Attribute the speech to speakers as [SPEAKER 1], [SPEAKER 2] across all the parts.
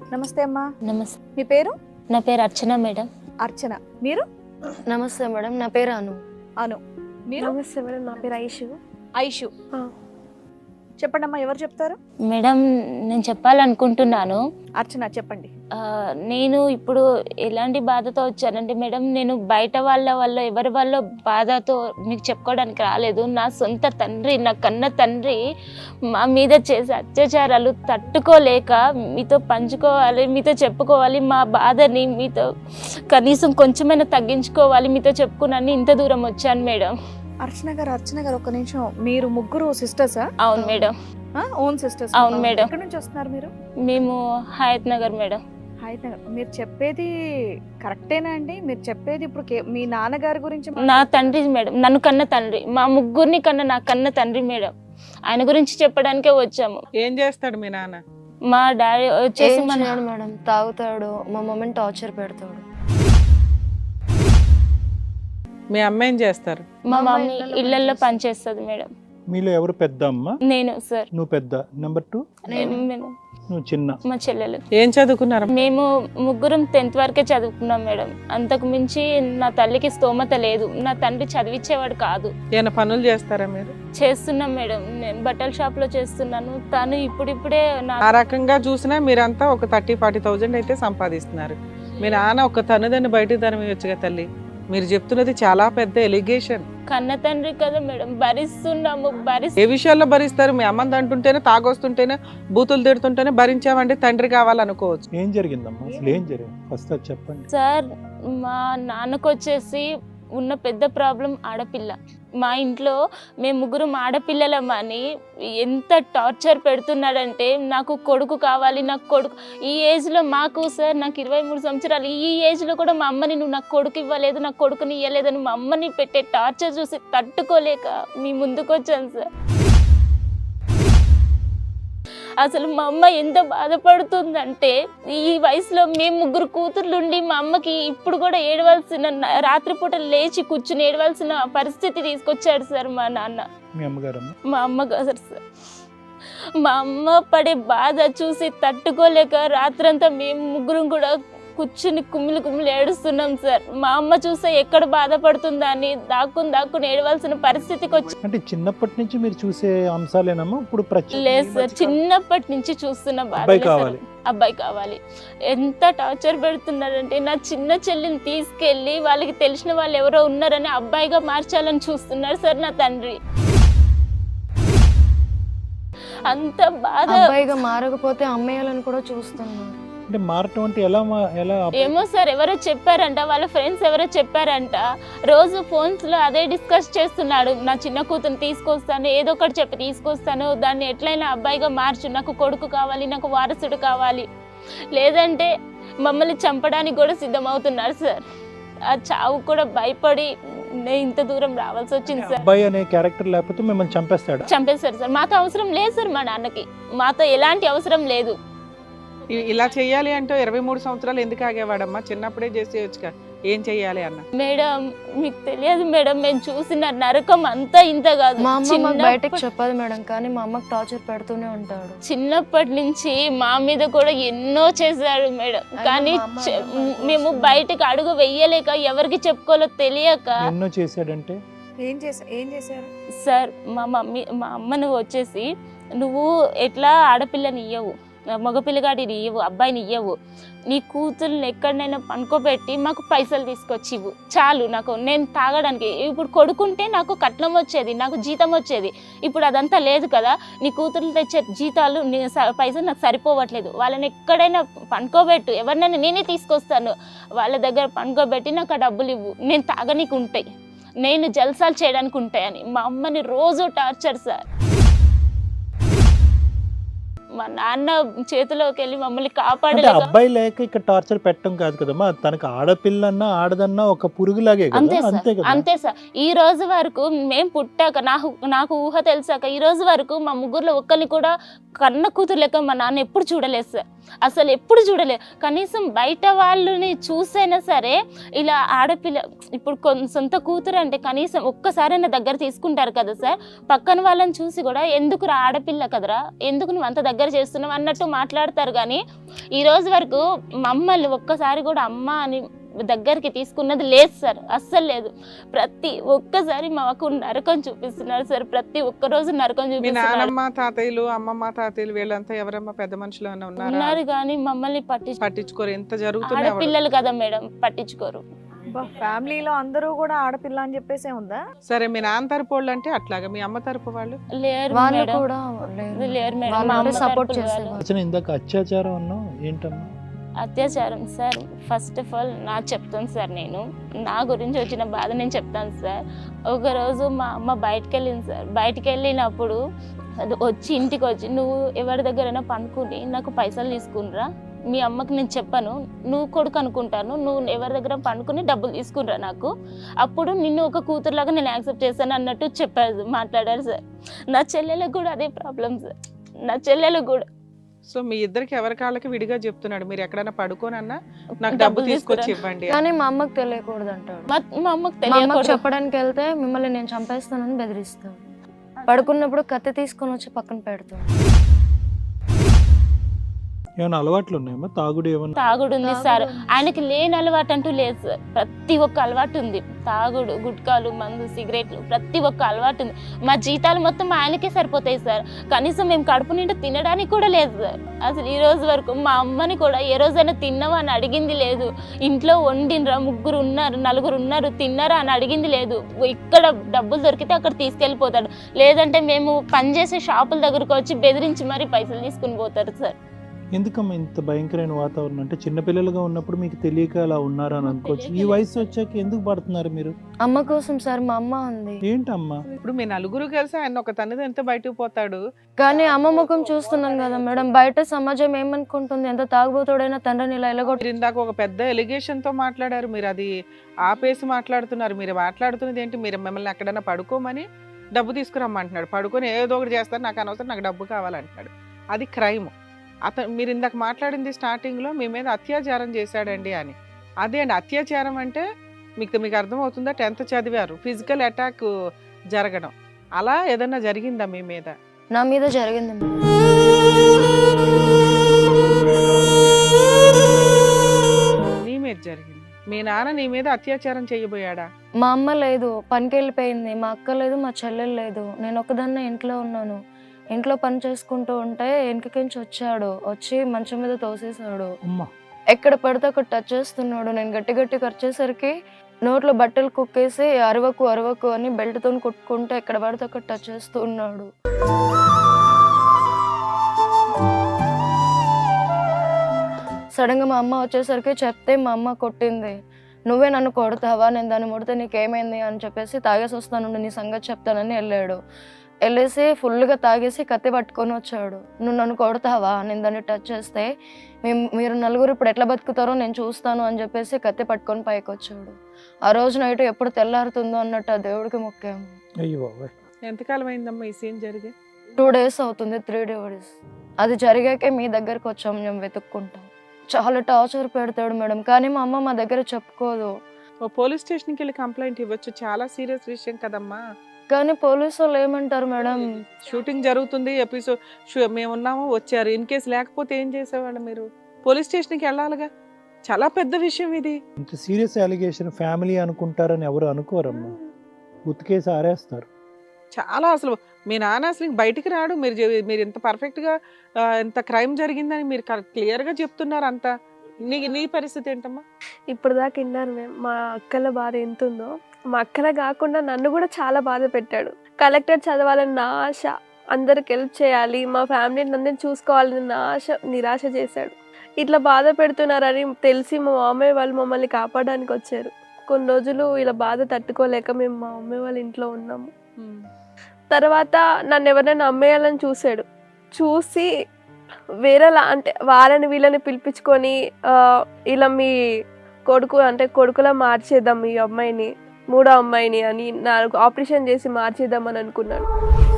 [SPEAKER 1] నమస్తే అమ్మా.
[SPEAKER 2] నమస్తే.
[SPEAKER 1] మీ పేరు?
[SPEAKER 2] నా పేరు అర్చన మేడం.
[SPEAKER 1] అర్చన. మీరు?
[SPEAKER 3] నమస్తే మేడం, నా పేరు అను.
[SPEAKER 1] అను. మీరు?
[SPEAKER 4] నమస్తే మేడం, నా పేరు ఐషు.
[SPEAKER 1] ఐషు. చెప్పండి అమ్మా, ఎవరు చెప్తారు?
[SPEAKER 2] మేడం నేను చెప్పాలనుకుంటున్నాను.
[SPEAKER 1] అర్చన చెప్పండి.
[SPEAKER 2] నేను ఇప్పుడు ఎలాంటి బాధతో వచ్చానంటే మేడం, నేను బయట వాళ్ళ ఎవరి వాళ్ళ బాధతో మీకు చెప్పుకోవడానికి రాలేదు. నా సొంత తండ్రి, నా కన్న తండ్రి మా మీద చేసే అత్యాచారాలు తట్టుకోలేక మీతో పంచుకోవాలి, మీతో చెప్పుకోవాలి, మా బాధని మీతో కనీసం కొంచెమైనా తగ్గించుకోవాలి, మీతో చెప్పుకున్నాను ఇంత దూరం వచ్చాను మేడం.
[SPEAKER 1] అర్చన గారు ఒక్క నిమిషం. మీరు ముగ్గురు సిస్టర్సా?
[SPEAKER 2] అవును మేడం.
[SPEAKER 1] Own sisters?
[SPEAKER 2] అవును మేడం.
[SPEAKER 1] ఎక్కడి నుంచి వస్తున్నారు మీరు?
[SPEAKER 2] మేము హయత్ నగర్ మేడం.
[SPEAKER 1] హయత్ నగర్. మీరు చెప్పేది కరెక్టేనా అండి? మీరు చెప్పేది ఇప్పుడు మీ నాన్నగారి గురించి?
[SPEAKER 2] నా తండ్రి మేడం, నన్ను కన్న తండ్రి, మా ముగ్గురిని కన్న నా కన్న తండ్రి మేడం. ఆయన గురించి చెప్పడానికే వచ్చాము.
[SPEAKER 5] ఏం చేస్తాడు మీ నాన్న?
[SPEAKER 2] మా డాడీ వచ్చేసి
[SPEAKER 3] మేడం తాగుతాడు, మా మమ్మీని టార్చర్ పెడతాడు.
[SPEAKER 5] మీ అమ్మ ఏం చేస్తారు?
[SPEAKER 2] మా మమ్మీ ఇళ్లలో పనిచేస్తుంది మేడం.
[SPEAKER 6] మీలో ఎవరు పెద్ద అమ్మ?
[SPEAKER 2] నేను సార్.
[SPEAKER 6] నువ్వు పెద్ద. నెంబర్ 2 నువ్వు చిన్న.
[SPEAKER 2] మా చెల్లెలు.
[SPEAKER 5] ఏం చదువుకున్నారు?
[SPEAKER 2] మేము ముగ్గురం 10th వరకే చదువుకున్నాం మేడం. అంతకు మించి నా తల్లికి స్తోమత లేదు. నా తండ్రి చదివించేవాడు కాదు.
[SPEAKER 5] ఏమైనా పనులు చేస్తారా మీరు?
[SPEAKER 2] చేస్తున్నాం మేడం. నేను బట్టల షాప్ లో చేస్తున్నాను. తను ఇప్పుడిప్పుడే
[SPEAKER 5] ఆ రకంగా చూసినా మీరంతా ఒక 30-40,000 అయితే సంపాదిస్తున్నారు. మీ నాన్న ఒక తనుదని బయట తనమియొచ్చుగా తల్లి. మీరు చెప్తున్నది చాలా పెద్ద ఎలిగేషన్.
[SPEAKER 2] కన్న తండ్రి కదా మేడం, భరిస్తున్నాము.
[SPEAKER 5] ఏ విషయాల్లో భరిస్తారు? మీ అమ్మని అంటుంటేనే, తాగొస్తుంటేనే, బూతులు తిడుతుంటేనే భరించామంటే తండ్రి కావాలనుకోవచ్చు.
[SPEAKER 6] ఏం జరిగిందమ్మా? అసలు ఏం జరిగింది ఫస్ట్ అది చెప్పండి.
[SPEAKER 2] సార్, మా నాన్నకు వచ్చేసి ఉన్న పెద్ద ప్రాబ్లం ఆడపిల్ల. మా ఇంట్లో మేము ముగ్గురం ఆడపిల్లలమని ఎంత టార్చర్ పెడుతున్నాడంటే, నాకు కొడుకు కావాలి, నాకు కొడుకు. ఈ ఏజ్లో మాకు సార్, నాకు 23 సంవత్సరాలు, ఈ ఏజ్లో కూడా మా అమ్మని నువ్వు నాకు కొడుకు ఇవ్వలేదు, నాకు కొడుకుని ఇవ్వలేదని మా అమ్మని పెట్టే టార్చర్ చూసి తట్టుకోలేక మీ ముందుకు వచ్చాను సార్. అసలు మా అమ్మ ఎంత బాధపడుతుందంటే, ఈ వయసులో మేము ముగ్గురు కూతుర్లుండి మా అమ్మకి ఇప్పుడు కూడా ఏడవలసిన, రాత్రిపూట లేచి కూర్చుని ఏడవలసిన పరిస్థితి తీసుకొచ్చాడు సార్ మా నాన్న.
[SPEAKER 6] మీ అమ్మగారు?
[SPEAKER 2] మా అమ్మగారు సార్. మా అమ్మ పడే బాధ చూసి తట్టుకోలేక రాత్రంతా మేము ముగ్గురం కూడా కూర్చుని కుమ్మిలి ఏడుస్తున్నాం సార్. మా అమ్మ చూస్తే ఎక్కడ బాధపడుతుందా అని దాక్కుని ఏడవలసిన పరిస్థితికి వచ్చి.
[SPEAKER 6] అంటే చిన్నప్పటి నుంచి మీరు చూసే అంశాలేనమ్మా ఇప్పుడు?
[SPEAKER 2] లేదు సార్, చిన్నప్పటి నుంచి చూస్తున్న బాధ. అబ్బాయి కావాలి. ఎంత టార్చర్ పెడుతున్నారంటే, నా చిన్న చెల్లిని తీసుకెళ్లి వాళ్ళకి తెలిసిన వాళ్ళు ఎవరో ఉన్నారని అబ్బాయిగా మార్చాలని చూస్తున్నారు సార్ నా తండ్రి. అంత బాధ.
[SPEAKER 3] అబ్బాయిగా మారకపోతే అమ్మేయాలని కూడా చూస్తున్నారు.
[SPEAKER 6] అంటే మారటం అంటే ఎలా?
[SPEAKER 2] ఏమో సార్, ఎవరో చెప్పారంట, వాళ్ళ ఫ్రెండ్స్ ఎవరో చెప్పారంట. రోజు ఫోన్స్ లో అదే డిస్కస్ చేస్తున్నాడు. నా చిన్న కూతురు తీసుకొస్తాను, ఏదో ఒకటి చెప్పి తీసుకొస్తాను, దాన్ని ఎట్లయినా అబ్బాయిగా మార్చు, నాకు కొడుకు కావాలి, నాకు వారసుడు కావాలి, లేదంటే మమ్మల్ని చంపడానికి కూడా సిద్ధమవుతున్నారు సార్. ఆ చావు కూడా భయపడి నేను ఇంత దూరం రావాల్సి వచ్చింది సార్.
[SPEAKER 6] అబ్బాయి అనే క్యారెక్టర్ లేకపోతే మిమ్మల్ని చంపేస్తాడు
[SPEAKER 2] సార్. మాతో అవసరం లేదు సార్, మా నాన్నకి మాతో ఎలాంటి అవసరం లేదు.
[SPEAKER 5] ఇలా చెయ్యాలి అంటే 23 సంవత్సరాలు ఎందుకు ఆగేవాడమ్మా? చిన్నప్పుడే చేసేయచ్చుగా. ఏం చెయ్యాలి అన్న?
[SPEAKER 2] మేడం మీకు తెలియదు మేడం, మేము చూసిన నరకం అంతా ఇంత కాదు.
[SPEAKER 3] మా అమ్మ బయటకు చెప్పదు మేడం, కానీ మా అమ్మకి టార్చర్ పెడుతూనే ఉంటాడు.
[SPEAKER 2] చిన్నప్పటి నుంచి మా మీద కూడా ఎన్నో చేశాడు మేడం, కానీ మేము బయటకు అడుగు వెయ్యలేక, ఎవరికి చెప్పుకోవాలో తెలియక.
[SPEAKER 6] ఎన్నో చేశాడంటే
[SPEAKER 1] ఏం చేశారు
[SPEAKER 2] సార్? మా అమ్మను వచ్చేసి, నువ్వు ఎట్లా ఆడపిల్లని ఇయ్యవు, మగపిల్లగాడిని ఇవ్వు, అబ్బాయిని ఇవ్వవు, నీ కూతుర్ని ఎక్కడైనా పనుకోబెట్టి మాకు పైసలు తీసుకొచ్చి ఇవ్వు చాలు, నాకు నేను తాగడానికి. ఇప్పుడు కొడుకుంటే నాకు కట్నం వచ్చేది, నాకు జీతం వచ్చేది. ఇప్పుడు అదంతా లేదు కదా. నీ కూతుర్లు తెచ్చే జీతాలు, పైసలు నాకు సరిపోవట్లేదు. వాళ్ళని ఎక్కడైనా పనుకోబెట్టు, ఎవరినైనా నేనే తీసుకొస్తాను, వాళ్ళ దగ్గర పనుకోబెట్టి నాకు ఆ డబ్బులు ఇవ్వు, నేను తాగనీకు ఉంటాయి, నేను జల్సాలు చేయడానికి ఉంటాయని మా అమ్మని రోజు టార్చర్ సార్. మా నాన్న చేతిలోకి వెళ్ళి మమ్మల్ని కాపాడలేదు.
[SPEAKER 6] అబ్బాయి లేక ఇక్కడ టార్చర్ పెట్టడం కాదు కదమ్మా, తనకు ఆడపిల్లన్నా ఆడదన్నా ఒక పురుగులాగే.
[SPEAKER 2] అంతే సార్. ఈ రోజు వరకు మేము పుట్టాక, నాకు ఊహ తెలిసాక ఈ రోజు వరకు మా ముగ్గురులో ఒక్కరిని కూడా కన్న కూతురు లెక్క మా నాన్న ఎప్పుడు చూడలేదు సార్. అసలు ఎప్పుడు చూడలేదు. కనీసం బయట వాళ్ళని చూసైనా సరే, ఇలా ఆడపిల్ల ఇప్పుడు సొంత కూతురు అంటే కనీసం ఒక్కసారైనా దగ్గర తీసుకుంటారు కదా సార్. పక్కన వాళ్ళని చూసి కూడా, ఎందుకు ఆడపిల్ల కదరా, ఎందుకు నువ్వు అంత దగ్గర దగ్గర చేస్తున్నాం అన్నట్టు మాట్లాడతారు. కానీ ఈ రోజు వరకు మమ్మల్ని ఒక్కసారి కూడా అమ్మ అని దగ్గరికి తీసుకున్నది లేదు సార్, అస్సలు లేదు. ప్రతి ఒక్కసారి మాకు నరకం చూపిస్తున్నారు సార్, ప్రతి ఒక్క రోజు నరకం
[SPEAKER 5] మీ
[SPEAKER 2] చూపిస్తున్నారు.
[SPEAKER 5] నానమ్మ తాతయ్యలు అమ్మమ్మ తాతయ్యలు వీళ్ళంతా ఎవరమ్మా పెద్ద మనుషులు ఏమైనా ఉన్నారా?
[SPEAKER 2] ఉన్నారు కానీ మమ్మల్ని
[SPEAKER 5] పట్టించుకోరు. ఎంత జరుగుతున్నా
[SPEAKER 2] ఆడపిల్లలు కదా మేడం, పట్టించుకోరు.
[SPEAKER 1] ఫ్యామిలీలో అందరూ కూడా ఆడపిల్ల అని చెప్పేసే ఉందా?
[SPEAKER 5] సరే, మీ నాన్న తరపు వాళ్ళు అంటే అట్లాగా, మీ అమ్మ తరపు వాళ్ళు
[SPEAKER 2] లేరు
[SPEAKER 3] వాళ్ళు
[SPEAKER 2] మేడం,
[SPEAKER 3] కూడా
[SPEAKER 2] లేరు మేడం.
[SPEAKER 3] వాళ్ళు
[SPEAKER 2] మా
[SPEAKER 3] అంటే
[SPEAKER 2] అమ్మ
[SPEAKER 3] సపోర్ట్
[SPEAKER 2] తరపున వాళ్ళు.
[SPEAKER 3] చేసేవాళ్ళు.
[SPEAKER 6] అసలు ఇందాక అత్యాచారం అన్నావు ఏంటమ్మా?
[SPEAKER 2] అత్యాచారం సార్, ఫస్ట్ ఆఫ్ ఆల్ నాకు చెప్తాను సార్, నేను నా గురించి వచ్చిన బాధ నేను చెప్తాను సార్. ఒకరోజు మా అమ్మ బయటకు వెళ్ళింది సార్. బయటకు వెళ్ళినప్పుడు అది వచ్చి ఇంటికి వచ్చి, నువ్వు ఎవరి దగ్గరైనా పనుకుని నాకు పైసలు తీసుకునిరా, మీ అమ్మకి నేను చెప్పను, నువ్వు కొడుకు అనుకుంటాను, నువ్వు ఎవరి దగ్గర పనుకుని డబ్బులు తీసుకునిరా నాకు, అప్పుడు నిన్ను ఒక కూతురులాగా నేను యాక్సెప్ట్ చేస్తాను అన్నట్టు చెప్పారు, మాట్లాడారు సార్. నా చెల్లెలకు కూడా అదే ప్రాబ్లం సార్, నా చెల్లెలకు కూడా.
[SPEAKER 5] సో మీ ఇద్దరికి ఎవరి కాళ్ళకి విడిగా చెప్తున్నాడు, మీరు ఎక్కడైనా పడుకోనన్నా నాకు డబ్బు తీసుకొచ్చి ఇవ్వండి.
[SPEAKER 3] కానీ మా అమ్మకి తెలియకూడదు అంటాడు.
[SPEAKER 2] మా అమ్మకి
[SPEAKER 3] మా అమ్మకి
[SPEAKER 2] తెలియకూడదు.
[SPEAKER 3] చెప్పడానికి వెళ్తే మిమ్మల్ని నేను చంపేస్తానని బెదిరిస్తాడు. పడుకున్నప్పుడు కత్తి తీసుకొని వచ్చి పక్కన పెడతాడు.
[SPEAKER 6] ఏమైనా అలవాట్లు ఉన్నాయమ్మా? తాగుడు ఏమన్నా?
[SPEAKER 2] తాగుడు ఉంది సార్, ఆయనకి లేని అలవాటు అంటూ లేదు సార్. ప్రతి ఒక్క అలవాటు ఉంది, తాగుడు, గుట్కాలు, మందు, సిగరెట్లు, ప్రతి ఒక్క అలవాటు ఉంది. మా జీతాలు మొత్తం ఆయనకే సరిపోతాయి సార్, కనీసం మేము కడుపు నిండా తినడానికి కూడా లేదు సార్. అసలు ఈ రోజు వరకు మా అమ్మని కూడా ఏ రోజైనా తిన్నావా అని అడిగింది లేదు. ఇంట్లో వండినరా, 3 ఉన్నారు 4 ఉన్నారు, తిన్నారా అని అడిగింది లేదు. ఇక్కడ డబ్బులు దొరికితే అక్కడ తీసుకెళ్ళిపోతాడు, లేదంటే మేము పనిచేసే షాపుల దగ్గరకు వచ్చి బెదిరించి మరీ పైసలు తీసుకుని పోతారు సార్.
[SPEAKER 6] ఎందుకమ్మా ఇంత భయంకరమైన వాతావరణం? అంటే చిన్నపిల్లలుగా ఉన్నప్పుడు మీకు తెలియక అలా ఉన్నారా అని అనుకోవచ్చు. ఈ వయసు వచ్చాక ఎందుకు పడుతున్నారు మీరు?
[SPEAKER 3] అమ్మ కోసం సార్, మా అమ్మ ఉంది.
[SPEAKER 6] ఏంటమ్మా?
[SPEAKER 5] ఇప్పుడు మీ నలుగురు కలిసి ఆయన ఒక తన్నిది ఎంత బయటకు పోతాడు.
[SPEAKER 3] కానీ అమ్మ ముఖం చూస్తున్నాను కదా మేడం, బయట సమాజం ఏమనుకుంటుంది, ఎంత తాగుబోతుడైనా తండ్రిని ఇలా ఎలగొట్టి.
[SPEAKER 5] మీరు ఇందాక ఒక పెద్ద ఎలిగేషన్ తో మాట్లాడారు, మీరు అది ఆపేసి మాట్లాడుతున్నారు. మీరు మాట్లాడుతున్నది ఏంటి? మీరు మిమ్మల్ని ఎక్కడైనా పడుకోమని డబ్బు తీసుకురమ్మంటున్నాడు, పడుకొని ఏదో ఒకటి చేస్తారు, నాకు అనవసరం, నాకు డబ్బు కావాలంటున్నాడు. అది క్రైమ్. అతను మీరు ఇందాక మాట్లాడింది స్టార్టింగ్ లో మీ మీద అత్యాచారం చేశాడండి అని. అదే అండి అత్యాచారం అంటే, మీకు అర్థమవుతుందా? 10th చదివారు, ఫిజికల్ అటాక్ జరగడం, అలా ఏదన్నా జరిగిందా మీ మీద?
[SPEAKER 3] నా మీద జరిగింది మేడం.
[SPEAKER 5] నీ మీద జరిగింది. మీ నాన్న నీ మీద అత్యాచారం చేయబోయాడా?
[SPEAKER 3] మా అమ్మ లేదు, పనికి వెళ్ళిపోయింది. మా అక్క లేదు, మా చెల్లెలు లేదు. నేను ఒకదాన్నే ఇంట్లో ఉన్నాను. ఇంట్లో పని చేసుకుంటూ ఉంటే వెనకకించి వచ్చాడు, వచ్చి మంచం మీద తోసేసాడు. ఎక్కడ పడితే అక్కడ టచ్ చేస్తున్నాడు. నేను గట్టి గట్టి ఖర్చేసరికి నోట్లో బట్టలు కుక్కేసి అరవకు అరవకు అని బెల్ట్తో కుట్టుకుంటే ఎక్కడ పడితే అక్కడ టచ్ చేస్తూ ఉన్నాడు. సడన్ గా మా అమ్మ వచ్చేసరికి చెప్తే మా అమ్మ కొట్టింది. నువ్వే నన్ను కొడతావా, నేను దాన్ని ముడితే నీకేమైంది అని చెప్పేసి, తాగేసి వస్తాను నీ సంగతి చెప్తానని వెళ్ళాడు. వెళ్ళేసి ఫుల్గా తాగేసి కత్తి పట్టుకొని వచ్చాడు. నువ్వు నన్ను కొడతావా, నేను దాన్ని టచ్ చేస్తే మీరు నలుగురు ఇప్పుడు ఎట్లా బతుకుతారో నేను చూస్తాను అని చెప్పేసి కత్తి పట్టుకొని పైకి వచ్చాడు. ఆ రోజు నైట్ ఎప్పుడు తెల్లారుతుందో అన్నట్టు ఆ దేవుడికి మొక్కాము.
[SPEAKER 5] ఎంతకాలం అయిందమ్మా ఈ సీన్ జరిగి?
[SPEAKER 3] 2 days అవుతుంది, 3 days. అది జరిగాకే మీ దగ్గరకు వచ్చాము మేము వెతుక్కుంటాం. చాలా టార్చర్ పెడతాడు మేడం, కానీ మా అమ్మ మా దగ్గర చెప్పుకోదు.
[SPEAKER 5] పోలీస్ స్టేషన్కి వెళ్ళి కంప్లైంట్ ఇవ్వచ్చు, చాలా సీరియస్ విషయం కదమ్మా.
[SPEAKER 3] కానీ పోలీసు వాళ్ళు ఏమంటారు మేడం,
[SPEAKER 5] షూటింగ్ జరుగుతుంది, ఎపిసోడ్ మేము ఉన్నాము వచ్చారు, ఇన్ కేసు లేకపోతే ఏం చేసేవాళ్ళు మీరు? పోలీస్ స్టేషన్కి వెళ్ళాలిగా, చాలా పెద్ద విషయం ఇది.
[SPEAKER 6] ఇంత సీరియస్ అలిగేషన్ ఫ్యామిలీ అనుకుంటారని ఎవరు అనుకోరమ్మా, ఉతికేసి ఆరేస్తారు.
[SPEAKER 5] చాలా అసలు మీ నాన్న అసలు బయటికి రాడు. మీరు ఇంత పర్ఫెక్ట్గా ఇంత క్రైమ్ జరిగిందని మీరు క్లియర్గా చెప్తున్నారు అంతా. నీ పరిస్థితి ఏంటమ్మా?
[SPEAKER 4] ఇప్పుడు దాకా విన్నారు మేము, మా అక్కల బాధ ఎంత ఉందో. మా అక్కల కాకుండా నన్ను కూడా చాలా బాధ పెట్టాడు. కలెక్టర్ చదవాలని నా ఆశ, అందరికి హెల్ప్ చేయాలి, మా ఫ్యామిలీని అందరిని చూసుకోవాలని నా ఆశ నిరాశ చేశాడు. ఇట్లా బాధ పెడుతున్నారని తెలిసి మా మామయ్య వాళ్ళు మమ్మల్ని కాపాడడానికి వచ్చారు. కొన్ని రోజులు ఇలా బాధ తట్టుకోలేక మేము మా మమ్మీ వాళ్ళ ఇంట్లో ఉన్నాము. తర్వాత నన్ను ఎవరైనా అమ్మేయాలని చూశాడు. చూసి వేరేలా అంటే వాళ్ళని వీళ్ళని పిలిపించుకొని ఇలా మీ కొడుకు అంటే కొడుకులా మార్చేద్దాం ఈ అమ్మాయిని, 3వ అమ్మాయిని అని నాకు ఆపరేషన్ చేసి మార్చేద్దామని అనుకున్నాడు.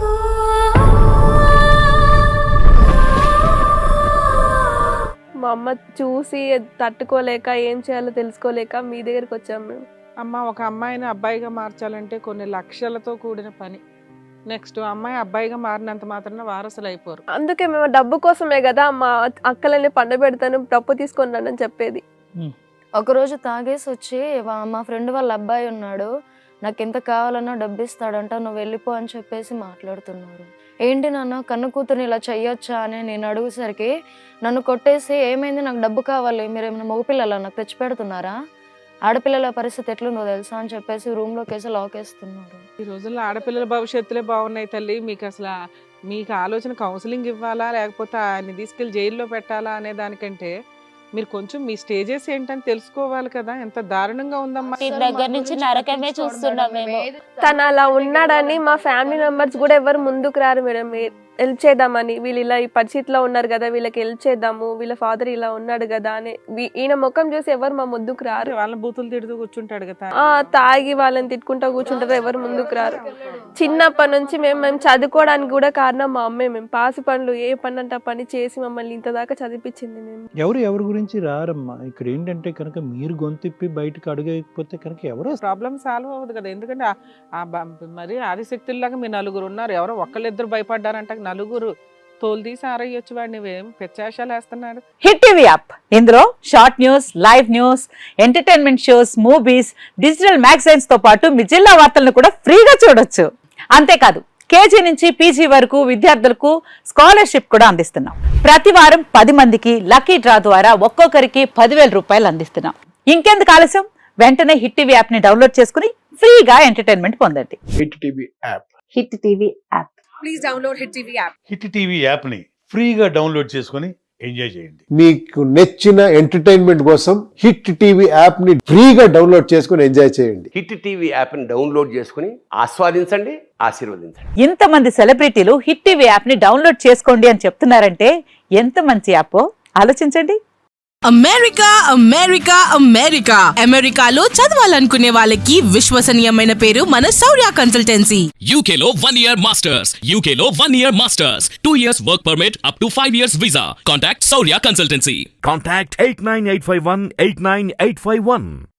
[SPEAKER 4] మా అమ్మ చూసి తట్టుకోలేక ఏం చేయాలో తెలుసుకోలేక మీ దగ్గరికి వచ్చాము మేము.
[SPEAKER 5] అమ్మ, ఒక అమ్మాయిని అబ్బాయిగా మార్చాలంటే కొన్ని లక్షలతో కూడిన పని. నెక్స్ట్ అమ్మాయి అబ్బాయిగా మారినంత మాత్రాన వారసులు అయిపోరు.
[SPEAKER 4] అందుకే మేము డబ్బు కోసమే కదా మా అక్కలని పండబెడతాను, డబ్బు తీసుకున్నానని చెప్పేది.
[SPEAKER 3] ఒకరోజు తాగేసి వచ్చి మా ఫ్రెండ్ వాళ్ళ అబ్బాయి ఉన్నాడు, నాకు ఎంత కావాలన్నా డబ్బు ఇస్తాడంట, నువ్వు వెళ్ళిపో అని చెప్పేసి మాట్లాడుతున్నారు. ఏంటి నాన్న కన్ను కూతుర్ని ఇలా చెయ్యొచ్చా అని నేను అడుగుసరికి నన్ను కొట్టేసి ఏమైంది, నాకు డబ్బు కావాలి, మీరు ఏమైనా మగపిల్లలా నాకు తెచ్చి పెడుతున్నారా, ఆడపిల్లల పరిస్థితి ఎట్లుందో తెలుసా అని చెప్పేసి రూమ్లోకి వేసి లాక్ వేస్తున్నారు.
[SPEAKER 5] ఈ రోజుల్లో ఆడపిల్లల భవిష్యత్తులే బాగున్నాయి తల్లి. మీకు అసలు మీకు ఆలోచన కౌన్సిలింగ్ ఇవ్వాలా లేకపోతే ఆయన్ని తీసుకెళ్ళి జైల్లో పెట్టాలా అనే దానికంటే మీరు కొంచెం మీ స్టేజెస్ ఏంటని తెలుసుకోవాలి కదా. ఎంత దారుణంగా ఉందమ్మా.
[SPEAKER 2] ఈ దగ్గర నుంచి నరకమే చూస్తున్నాం మేము.
[SPEAKER 4] తను అలా ఉన్నాడని మా ఫ్యామిలీ మెంబర్స్ కూడా ఎవరు ముందుకు రారు మేడం హెల్ప్ చేద్దామని. వీళ్ళు ఇలా ఈ పరిస్థితిలో ఉన్నారు కదా, వీళ్ళకి హెల్ప్ చేద్దాము, వీళ్ళ ఫాదర్ ఇలా ఉన్నాడు కదా అని ఈయన ముఖం చూసి ఎవరు మా ముందుకు రారు.
[SPEAKER 5] వాళ్ళని బూతులు తిడుతూ కూర్చుంటాడు కదా,
[SPEAKER 4] తాగి వాళ్ళని తిట్టుకుంటా కూర్చుంటారు, ఎవరు ముందుకు రారు. చిన్నప్పటి నుంచి మేము చదువుకోవడానికి కూడా కారణం మా అమ్మే. మేము పాసి పనులు ఏ పని అంటే ఆ పని చేసి మమ్మల్ని ఇంత దాకా చదివించింది. మేము
[SPEAKER 6] ఎవరి గురించి రారమ్మా. ఇక్కడ ఏంటంటే కనుక మీరు గొంతిప్పి బయటకు అడుగకపోతే కనుక ఎవరో
[SPEAKER 5] ప్రాబ్లం సాల్వ్ అవ్వదు కదా. ఎందుకంటే మరి ఆదిశక్తుల్లాగా మీరు నలుగురు ఉన్నారు, ఎవరో ఒక్కళ్ళిద్దరు భయపడ్డారంట, నలుగురు తోలు తీసి ఆరయ్యొచ్చు వాడిని. పెచ్చాశాలు వేస్తున్నాడు.
[SPEAKER 7] హిట్ టీవీ యాప్, ఇందులో short news, live news, entertainment shows, movies, digital magazines తో పాటు మీ జిల్లా వార్తలను కూడా ఫ్రీగా చూడొచ్చు. అంతేకాదు కేజీ నుంచి పీజీ వరకు విద్యార్థులకు స్కాలర్షిప్ కూడా అందిస్తున్నాం. ప్రతి వారం 10 మందికి లక్కీ డ్రా ద్వారా ఒక్కొక్కరికి 10,000 రూపాయలు అందిస్తున్నాం. ఇంకెందుకు ఆలస్యం, వెంటనే హిట్ టీవీ యాప్ ని డౌన్లోడ్ చేసుకుని ఫ్రీగా ఎంటర్టైన్మెంట్ పొందండి.
[SPEAKER 8] Hit TV app.
[SPEAKER 7] Hit TV app.
[SPEAKER 9] Please download Hit TV app.
[SPEAKER 8] Hit TV యాప్ని ఫ్రీగా డౌన్లోడ్ చేసుకొని ఎంజాయ్ చేయండి.
[SPEAKER 10] మీకు నచ్చిన ఎంటర్టైన్మెంట్ కోసం హిట్ టీవీ యాప్ని ఫ్రీగా డౌన్లోడ్ చేసుకొని ఎంజాయ్ చేయండి.
[SPEAKER 11] హిట్ టీవీ యాప్ని డౌన్లోడ్ చేసుకుని ఆస్వాదించండి, ఆశీర్వదించండి.
[SPEAKER 7] ఇంతమంది సెలబ్రిటీలు హిట్ టీవీ యాప్ ని డౌన్లోడ్ చేసుకోండి అని చెప్తున్నారంటే ఎంత మంచి యాప్ ఆలోచించండి.
[SPEAKER 9] అమెరికా అమెరికా అమెరికా అమెరికాలో చదవాలనుకునే వాళ్ళకి విశ్వసనీయమైన పేరు మన శౌర్య కన్సల్టెన్సీ.
[SPEAKER 12] UK లో 1 year masters, UK లో 1 year masters, 2 years work permit up to 5 years visa. Contact Saurya Consultancy.
[SPEAKER 13] Contact 89851 89851.